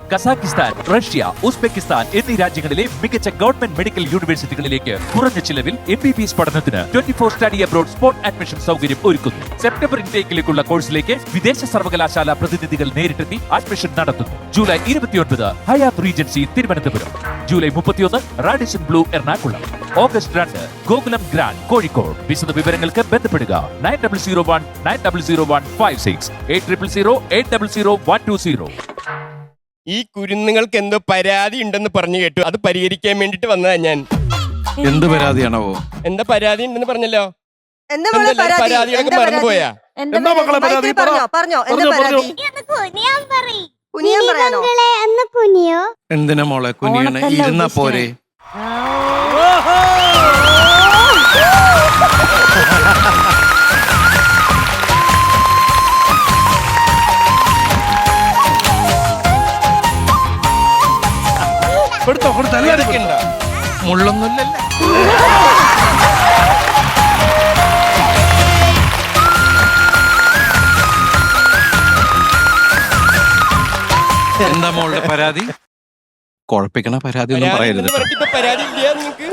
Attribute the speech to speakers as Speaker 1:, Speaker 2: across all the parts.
Speaker 1: Kazakhstan, Russia, Uzbekistan എന്നീ രാജ്യങ്ങളിലെ മികച്ച ഗവൺമെന്റ് മെഡിക്കൽ യൂണിവേഴ്സിറ്റികളിലേക്ക് കുറഞ്ഞ ചിലവിൽ MBBS പഠനത്തിന് 24 സ്റ്റഡി അബ്രോഡ് സ്പോട്ട് അഡ്മിഷൻ സൗകര്യം ഒരുക്കുന്നു. സെപ്റ്റംബർ ഇൻടേക്കിലേക്കുള്ള കോഴ്സിലേക്ക് വിദേശ സർവകലാശാല പ്രതിനിധികൾ നേരിട്ടെത്തി അഡ്മിഷൻ നടത്തുന്നു. July 29 Hyatt Regency Thiruvananthapuram, July 31 Radisson Blu Ernakulam, August 2 Gokulam Grand Kozhikode. വിശദ വിവരങ്ങൾക്ക് ബന്ധപ്പെടുക 9001900156 8000800120.
Speaker 2: ഈ കുരുന്നുങ്ങൾക്ക് എന്തോ പരാതി ഉണ്ടെന്ന് പറഞ്ഞു കേട്ടു. അത് പരിഹരിക്കാൻ വേണ്ടിട്ട് വന്നതാ ഞാൻ.
Speaker 3: എന്ത് പരാതിയാണോ?
Speaker 2: എന്താ പരാതി ഉണ്ടെന്ന് പറഞ്ഞല്ലോ.
Speaker 4: എന്താ മോളെ പരാതി?
Speaker 2: പരാതികളൊക്കെ മറന്നുപോയാ?
Speaker 5: എന്താ മക്കളെ പരാതി?
Speaker 4: പറഞ്ഞോ എന്താ പരാതി? കുനിയാൻ പറയാനോ?
Speaker 3: എന്തിനാ മോളെ കുനിയണ? ഇരുന്നാ പോരെ?
Speaker 5: കൊടുത്തോ
Speaker 2: ഇതൊക്കെ ഉണ്ടോ?
Speaker 3: മുള്ളൊന്നുമില്ലല്ലേ? എന്താ മോളുടെ പരാതി? കുഴപ്പിക്കണ പരാതി ഒന്നും പറയരുത്.
Speaker 2: പരാതി പറഞ്ഞിട്ട് പരാതി ഇല്ല നിങ്ങൾക്ക്?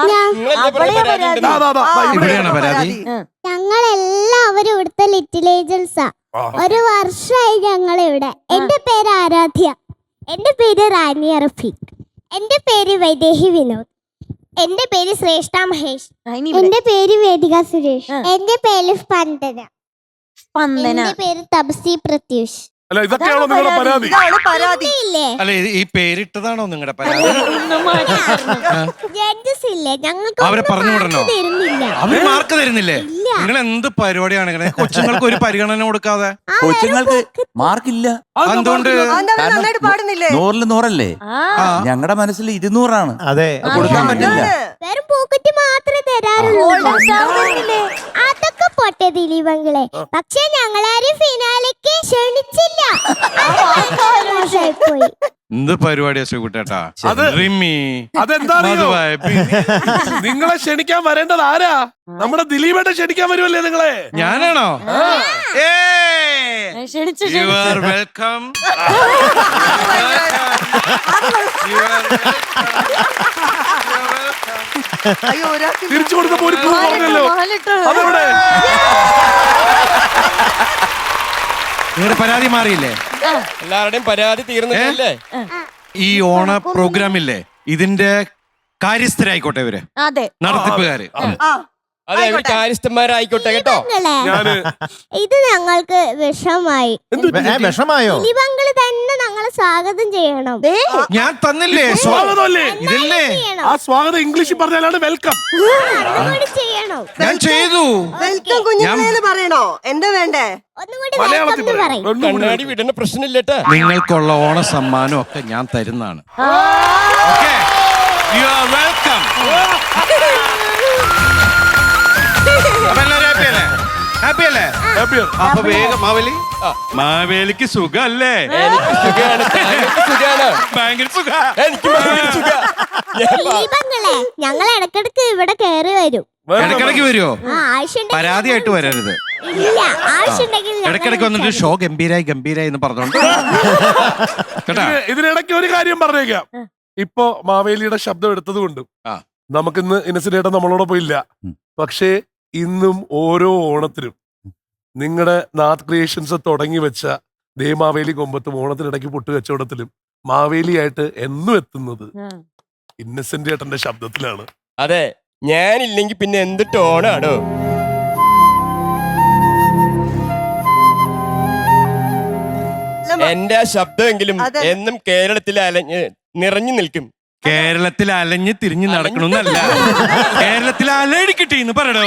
Speaker 3: ഇവിടെയാണ് പരാതി.
Speaker 6: ഞങ്ങളെല്ലാവരും ഇവിടുത്തെ ലിറ്റിൽ ഏഞ്ചൽസാ. ഒരു വർഷമായി ഞങ്ങൾ ഇവിടെ. എന്റെ പേര് ആരാധ്യ, എന്റെ പേര് റാനിയ റഫീഖ്, എന്റെ പേര് വൈദേഹി വിനോദ്, എന്റെ പേര് ശ്രേഷ്ഠ മഹേഷ്, എന്റെ പേര് വേദിക സുരേഷ്, എന്റെ പേര് സ്പന്ദന, എന്റെ പേര് തപസി പ്രത്യൂഷ്.
Speaker 5: അല്ല ഇതൊക്കെയാണോ നിങ്ങളുടെ പരാതി?
Speaker 4: ഇതാണ് പരാതി.
Speaker 6: ഇല്ലേ
Speaker 3: അല്ല ഈ പേരിട്ടതാണോ നിങ്ങളുടെ പരാതി?
Speaker 6: ജഡ്ജസ് ഇല്ലേ, ഞങ്ങൾക്ക്
Speaker 3: അവരെ പറഞ്ഞു വിടണോ?
Speaker 6: തരുന്നില്ല.
Speaker 3: അവര് മാർക്ക് തരുന്നില്ലേ? നിങ്ങൾ എന്ത് പരിപാടിയാണ് ഇങ്ങനെ? കൊച്ചുങ്ങൾക്ക് ഒരു പരിഗണന കൊടുക്കാതെ.
Speaker 7: കൊച്ചുങ്ങൾക്ക് മാർക്കില്ല.
Speaker 3: എന്തുകൊണ്ട്?
Speaker 4: അതെന്താ അവര് നന്നായിട്ട് പാടുന്നില്ലേ?
Speaker 7: 100-ൽ 100 ഞങ്ങളുടെ മനസ്സിൽ 200
Speaker 8: അതെ,
Speaker 7: കൊടുക്കാൻ പറ്റില്ല.
Speaker 6: വെറും പോക്കറ്റ് മാത്രമേ തരാറുള്ളൂ. അതൊക്കെ പോട്ടെ ദിലീപങ്ങളെ, പക്ഷെ ഞങ്ങളാരും ഫിനാലേക്ക് ക്ഷണിച്ചില്ല. പോയി.
Speaker 3: എന്ത് പരിപാടിയാ ശ്രീകുട്ടേട്ടാ?
Speaker 5: അത്
Speaker 3: റിമി,
Speaker 5: അതെന്താ അറിയോ? നിങ്ങളെ ക്ഷണിക്കാൻ വരേണ്ടത് ആരാ? നമ്മുടെ ദിലീപേട്ടൻ ക്ഷണിക്കാൻ വരുമല്ലേ നിങ്ങളെ?
Speaker 3: ഞാനാണോ? You are welcome.
Speaker 4: അയ്യോ ഒരാൾക്ക്
Speaker 5: തിരിച്ചു കൊടുത്തപ്പോ ഒരു ക്ലൂ പറഞ്ഞല്ലോ. അതെവിടെ?
Speaker 3: നിങ്ങളുടെ പരാതി മാറിയില്ലേ?
Speaker 2: എല്ലാവരുടെയും പരാതി തീർന്നില്ലേ?
Speaker 3: ഈ ഓണ പ്രോഗ്രാമില്ലേ, ഇതിന്റെ കാര്യസ്ഥരായിക്കോട്ടെ ഇവര്, നടത്തിപ്പുകാര്.
Speaker 2: അതെ, അവര് കാര്യസ്ഥന്മാരായിക്കോട്ടെ കേട്ടോ.
Speaker 6: ദിലീപങ്ങളെ, ഇത് ഞങ്ങൾക്ക് വിഷമായി.
Speaker 8: വിഷമായോ?
Speaker 6: ദിലീപങ്ങള് തന്നെ ഞങ്ങളെ സ്വാഗതം ചെയ്യണം.
Speaker 3: ഞാൻ തന്നില്ലേ
Speaker 5: സ്വാഗതമല്ലേ?
Speaker 3: ഇതല്ലേ?
Speaker 6: ചെയ്യണം.
Speaker 5: ആ സ്വാഗതം ഇംഗ്ലീഷിൽ പറഞ്ഞാലാണ് വെൽക്കം.
Speaker 6: ഒന്നുകൂടി ചെയ്യണം.
Speaker 3: ഞാൻ ചെയ്തു.
Speaker 4: വെൽക്കം കുഞ്ഞുങ്ങളെന്ന് പറയണോ? എന്താ വേണ്ടേ?
Speaker 6: ഒന്നുകൂടി
Speaker 5: മലയാളത്തിൽ
Speaker 6: welcome
Speaker 5: പറയും.
Speaker 6: പറയും.
Speaker 2: കണ്ണാടി വിടേണ്ട പ്രശ്നമില്ലട്ടാ.
Speaker 3: നിങ്ങൾക്കുള്ള ഓണ സമ്മാനം ഒക്കെ ഞാൻ തരുന്നതാണ്. U are welcome. ഹാപ്പി അല്ലേ? അപ്പൊ വേഗം മാവേലിക്ക് സുഖല്ലേ?
Speaker 2: എനിക്ക് സുഖാണ്, താങ്കൾക്ക് സുഖാണ്.
Speaker 3: ഭയങ്കര സുഖ.
Speaker 2: എനിക്ക് ഭയങ്കര സുഖാ.
Speaker 6: ദിലീപങ്ങളെ, ഞങ്ങൾ ഇടക്കിടക്ക് ഇവിടെ കയറി വരും.
Speaker 3: ഇടക്കിടക്ക് വരുമോ?
Speaker 6: ആവശ്യമുണ്ടെങ്കിൽ
Speaker 3: പരാതിയായിട്ട് വരരുത്.
Speaker 6: ഇല്ല, ആവശ്യമുണ്ടെങ്കിൽ ഞങ്ങൾ
Speaker 3: ഇടക്കിടക്ക് വന്നിട്ട് ഷോ ഗംഭീരായി എന്ന് പറഞ്ഞോണ്ട് കേട്ടാ.
Speaker 5: ഇതിനിടയ്ക്ക് ഒരു കാര്യം പറഞ്ഞേക്കാം. ഇപ്പൊ മാവേലിയുടെ ശബ്ദം എടുത്തത് കൊണ്ടും നമുക്കിന്ന് ഇന്നസെന്റ് നമ്മളോടൊപ്പം ഇല്ല. പക്ഷേ ഇന്നും ഓരോ ഓണത്തിനും നിങ്ങളുടെ നാത്ത് ക്രിയേഷൻസ് തുടങ്ങി വെച്ച ദേ മാവേലി കൊമ്പത്തും ഓണത്തിനിടയ്ക്ക് പൊട്ടുകച്ചവടത്തിലും മാവേലിയായിട്ട് എന്നും എത്തുന്നത് ഇന്നസെന്റ് ഏട്ടന്റെ ശബ്ദത്തിലാണ്.
Speaker 2: അതെ, ഞാനില്ലെങ്കിൽ പിന്നെ എന്ത് ടോണാണോ? എന്റെ ആ ശബ്ദമെങ്കിലും എന്നും കേരളത്തിൽ നിറഞ്ഞു നിൽക്കും.
Speaker 3: കേരളത്തിൽ അലഞ്ഞ് തിരിഞ്ഞ് നടക്കണമെന്നല്ല, കേരളത്തിൽ അലടിക്കട്ടെ എന്ന് പറയണോ?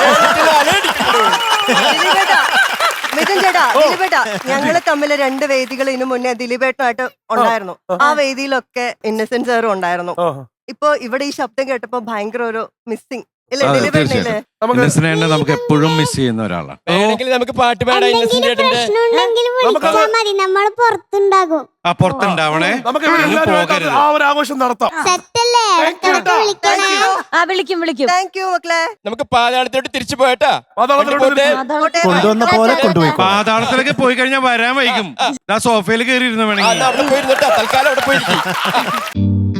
Speaker 4: മിഥുൻ ചേട്ടാ, ദിലീപേട്ടാ, ഞങ്ങള് തമ്മിൽ 2 വേദികൾ ഇതിനു മുന്നേ ദിലീപേട്ടനായിട്ട് ഉണ്ടായിരുന്നു. ആ വേദിയിലൊക്കെ ഇന്നസെന്റ് സാറും ഉണ്ടായിരുന്നു. ഇപ്പൊ ഇവിടെ ഈ ശബ്ദം കേട്ടപ്പോ ഭയങ്കര ഒരു മിസ്സിങ് ഇല്ലേ ദിലീപേട്ടനില്ലേ?
Speaker 5: നമുക്ക്
Speaker 3: ഇന്നസെന്റിനെ നമുക്ക് എപ്പോഴും മിസ് ചെയ്യുന്ന ഒരാളാണ്.
Speaker 2: വേണമെങ്കിൽ നമുക്ക് പാട്ട് പാടാം ഇന്നസെന്റ്
Speaker 6: എന്തെങ്കിലും
Speaker 2: ചേട്ടന്റെ.
Speaker 6: പ്രശ്നമുണ്ടെങ്കിൽ വിളിച്ചാൽ മതി, നമ്മൾ പുറത്തുണ്ടാകും.
Speaker 3: ആ പുറത്തുണ്ടാവണേ.
Speaker 5: നമുക്ക്
Speaker 3: അങ്ങ്
Speaker 5: എല്ലാവരുമായിട്ട്
Speaker 3: പോകരുത്.
Speaker 5: ആ ഒരു ആഘോഷം നടത്താം.
Speaker 6: സെറ്റല്ലേ? ഇടയ്ക്കിടയ്ക്ക് വിളിക്കണേ.
Speaker 8: വിളിക്കും
Speaker 4: താങ്ക് യു മക്കളെ.
Speaker 2: നമുക്ക് പാതാളത്തോട്ട് തിരിച്ചു പോയട്ടാ.
Speaker 5: പാതാളത്തിലോട്ട്
Speaker 2: കൊണ്ടുപോട്ടെ.
Speaker 4: പോട്ടെ.
Speaker 9: കൊണ്ടുവന്ന പോലെ കൊണ്ടുപോയി.
Speaker 3: പാതാളത്തിലൊക്കെ പോയി കഴിഞ്ഞാൽ വരാൻ വൈകും. ആ സോഫയിൽ കയറി ഇരുന്ന്
Speaker 2: ആ,
Speaker 3: വേണമെങ്കിൽ.
Speaker 2: എന്നാ അവിടെ പോയിരുന്നിട്ടാ, തൽക്കാലം അവിടെ പോയിരിക്കും.